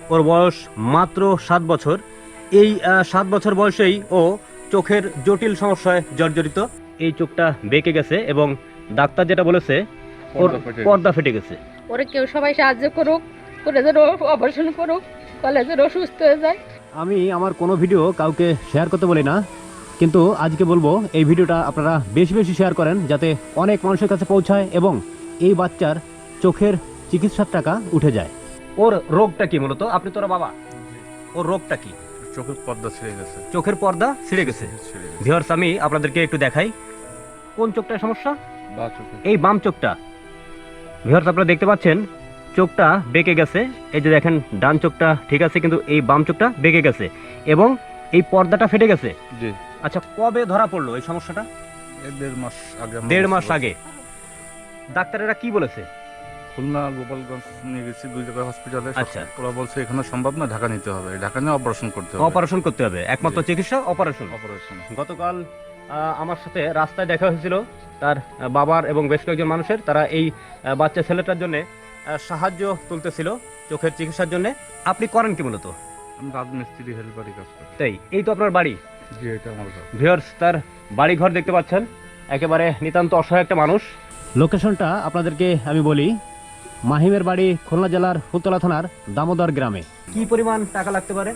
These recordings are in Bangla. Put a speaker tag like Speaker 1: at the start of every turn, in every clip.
Speaker 1: ওর বয়স মাত্র 7 বছর। এই 7 বছর বয়সেই ও চোখের জটিল সমস্যায় জর্জরিত। এই চোখটা বেঁকে গেছে এবং ডাক্তার যেটা বলেছে ওর পর্দা ফেটে গেছে।
Speaker 2: ওরে কেউ সবাই সাহায্য করুক, করে যেন অপারেশন করুক, তাহলে যেন সুস্থ হয়ে যায়।
Speaker 1: আমি আমার কোনো ভিডিও কাউকে শেয়ার করতে বলি না, কিন্তু আজকে বলবো এই ভিডিওটা আপনারা বেশি বেশি শেয়ার করেন যাতে অনেক মানুষের কাছে পৌঁছায় এবং এই বাচ্চার চোখের চিকিৎসার টাকা উঠে যায়। ওর রোগটা কি মূলত? আপনি তোরা বাবা, ওর রোগটা কি?
Speaker 3: চোখের পর্দা ছিঁড়ে গেছে।
Speaker 1: চোখের পর্দা ছিঁড়ে গেছে। ভিউয়ার্স, আমি আপনাদেরকে একটু দেখাই কোন চোখটার সমস্যা। এই বাম চোখটা। ভিউয়ার্স, আপনারা দেখতে পাচ্ছেন চোখটা বেঁকে গেছে। এই যে দেখেন, ডান চোখটা ঠিক আছে কিন্তু এই বাম চোখটা বেঁকে গেছে এবং এই পর্দাটা ফেটে গেছে।
Speaker 3: জি।
Speaker 1: আচ্ছা, কবে ধরা পড়লো এই সমস্যাটা?
Speaker 3: 1.5 মাস আগে।
Speaker 1: 1.5 মাস আগে। ডাক্তারেরা কি বলেছে?
Speaker 3: খুলনা গোপালগঞ্জ নিয়ে গেছি, 2 জায়গায় হসপিটালে।
Speaker 1: আচ্ছা।
Speaker 3: ওরা বলছে এখানে সম্ভব না, ঢাকা নিতে হবে, ঢাকা নিয়ে অপারেশন করতে হবে।
Speaker 1: অপারেশন করতে হবে, একমাত্র চিকিৎসা অপারেশন।
Speaker 3: অপারেশন।
Speaker 1: গতকাল আমার সাথে রাস্তায় দেখা হয়েছিল তার বাবার এবং বেশ কয়েকজন মানুষের। তারা এই বাচ্চা ছেলেটার জন্য সাহায্য তুলতেছিল চোখের চিকিৎসার জন্য। আপনি করেন কি মূলত?
Speaker 3: আমি রাজমিস্ত্রি হেল্পারি কাজ করি।
Speaker 1: তাই, এই তো আপনার বাড়ি।
Speaker 3: জি, এটা আমার ঘর।
Speaker 1: ভিউয়ার্স, তার বাড়ি ঘর দেখতে পাচ্ছেন, একেবারে নিতান্ত অসহায় একটা মানুষ। লোকেশনটা আপনাদেরকে আমি বলি, মাহিমের বাড়ি খুলনা জেলার ফুলতলা থানার দামোদর গ্রামে। কি পরিমাণ টাকা লাগতে পারে?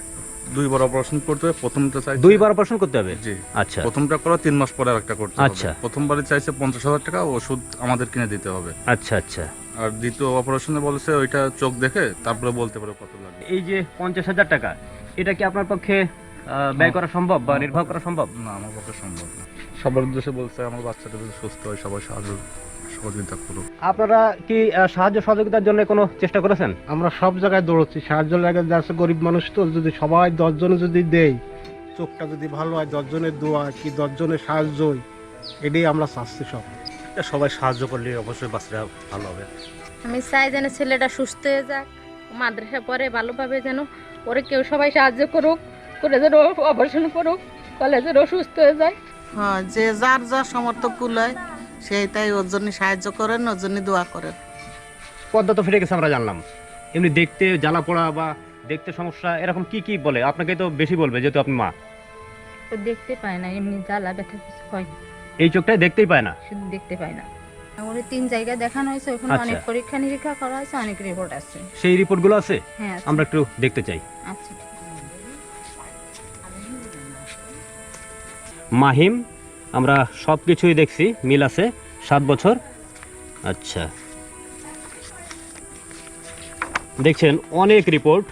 Speaker 3: 2 বার অপারেশন করতে হবে। প্রথমটা চাইছে
Speaker 1: 2 বার অপারেশন করতে হবে।
Speaker 3: জি।
Speaker 1: আচ্ছা
Speaker 3: প্রথমটা করা 3 মাস পরে আরেকটা করতে হবে।
Speaker 1: আচ্ছা।
Speaker 3: প্রথমবারে চাইছে 50,000 টাকা, ওষুধ আমাদের কিনে দিতে হবে।
Speaker 1: আচ্ছা আচ্ছা।
Speaker 3: আর দ্বিতীয় অপারেশনে বলেছে ওইটা চোখ দেখে তারপরে বলতে পারে কত লাগবে।
Speaker 1: এই যে 50,000 টাকা, এটা কি আপনার পক্ষে ব্যয় করা সম্ভব বা নির্বাহ করা সম্ভব?
Speaker 3: না, আমার পক্ষে সম্ভব না। সবার উদ্দেশ্যে বলছে আমার বাচ্চাটা যদি সুস্থ হয় সবাই সাহায্য সহযোগিতা করুক।
Speaker 1: আপনারা কি সাহায্য সহযোগিতার জন্য কোনো চেষ্টা করেছেন?
Speaker 4: আমরা সব জায়গায় দৌড়চ্ছি, সাহায্য লাগে যাচ্ছে, গরিব মানুষ তো, যদি সবাই 10 জনে যদি দেয়, চোখটা যদি ভালো হয়, 10 জনের দোয়া কি 10 জনের সাহায্যই, এটাই আমরা চাচ্ছি।
Speaker 5: সবাই সাহায্য করলে অবশ্যই বাচ্চারা ভালো হবে।
Speaker 2: আমি চাই যেন ছেলেটা সুস্থ হয়ে যাক, মাদ্রাসা পড়ে ভালোভাবে, যেন ওরে কেউ সবাই সাহায্য করুক, করে যেন অপারেশন করুক, তাহলে যেন সুস্থ হয়ে যায়।
Speaker 6: হ্যাঁ, যে যার যা সমর্থ কুলায় সেই তাই ওর জন্য সাহায্য করেন, ওর জন্য দোয়া করেন।
Speaker 1: পর্দা তো ফেটে গেছে আমরা জানলাম, এমনি দেখতে জ্বালা পোড়া বা দেখতে সমস্যা এরকম কি কি বলে? আপনাকে তো বেশি বলবে যেহেতু আপনি মা।
Speaker 2: ও দেখতে পায় না, এমনি জ্বালা ব্যথা কিছু হয় না,
Speaker 1: এই চোখটাই দেখতেই পায় না।
Speaker 2: শুধু দেখতে পায় না। ওরে 3 জায়গায় দেখানো হয়েছে, ওখানে
Speaker 1: আচ্ছা।
Speaker 2: অনেক পরীক্ষা নিরীক্ষা করা হয়েছে, অনেক রিপোর্ট আছে।
Speaker 1: সেই রিপোর্টগুলো আছে?
Speaker 2: হ্যাঁ আছে।
Speaker 1: আমরা একটু দেখতে চাই।
Speaker 2: আচ্ছা।
Speaker 1: মাহিম, আমরা সব কিছুই দেখছি, মিল আছে, 7 বছর। আচ্ছা, দেখছেন অনেক রিপোর্ট।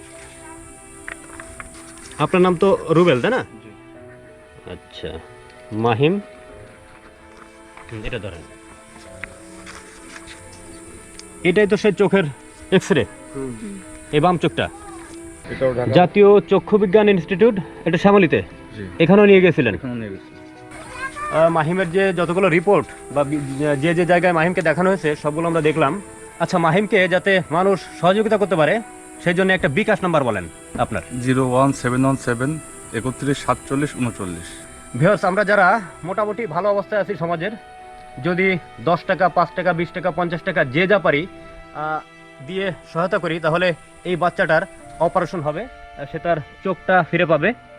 Speaker 1: আপনার নাম তো রুবেল, তাই না? আচ্ছা, মাহিম, এটা ধরেন, এটাই তো সে চোখের এক্সরে, এই বাম চোখটা।
Speaker 3: এটাও ঢাকা।
Speaker 1: জাতীয় চক্ষু বিজ্ঞান ইনস্টিটিউট, এটা শ্যামলীতে,
Speaker 3: জি।
Speaker 1: এখানেও নিয়ে গেছিলেন।
Speaker 3: এখানে নিয়ে গেছি।
Speaker 1: মাহিমের যে যতগুলো রিপোর্ট বা যে যে জায়গায় মাহিমকে দেখানো হয়েছে সবগুলো আমরা দেখলাম। আচ্ছা, মাহিমকে যাতে মানুষ সহযোগিতা করতে পারে সেই জন্য একটা বিকাশ নাম্বার বলেন আপনার।
Speaker 3: 01717 31 47 39।
Speaker 1: ভিউয়ার্স, আমরা যারা মোটামুটি ভালো অবস্থায় আছি সমাজের, যদি 10 টাকা, 5 টাকা, 20 টাকা, 50 টাকা যে যা পারি দিয়ে সহায়তা করি, তাহলে এই বাচ্চাটার অপারেশন হবে, সে তার চোখটা ফিরে পাবে।